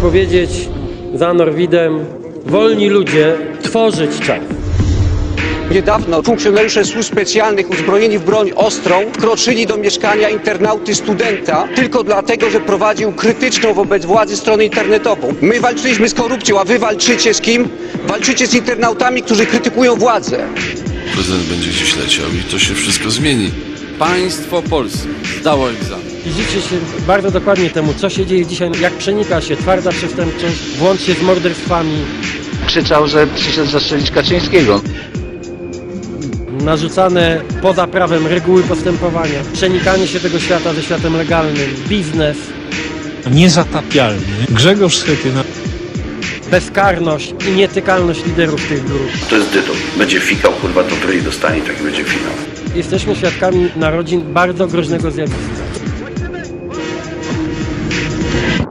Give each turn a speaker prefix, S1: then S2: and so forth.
S1: powiedzieć za Norwidem, wolni ludzie tworzyć czas.
S2: Niedawno funkcjonariusze służb specjalnych uzbrojeni w broń ostrą wkroczyli do mieszkania internauty studenta tylko dlatego, że prowadził krytyczną wobec władzy stronę internetową. My walczyliśmy z korupcją, a wy walczycie z kim? Walczycie z internautami, którzy krytykują władzę.
S3: Prezydent będzie gdzieś leciał i to się wszystko zmieni.
S4: Państwo polskie zdało egzamin.
S1: Przyjrzyjcie się bardzo dokładnie temu, co się dzieje dzisiaj, jak przenika się twarda przestępczość, włącznie z morderstwami.
S5: Krzyczał, że przyszedł zastrzelić Kaczyńskiego.
S1: Narzucane poza prawem reguły postępowania, przenikanie się tego świata ze światem legalnym, biznes,
S6: Niezatapialny Grzegorz Schetyna.
S1: bezkarność i nietykalność liderów tych grup.
S7: To jest dyton. Będzie fikał, kurwa, to w ryj dostanie, tak będzie finał.
S1: Jesteśmy świadkami narodzin bardzo groźnego zjawiska.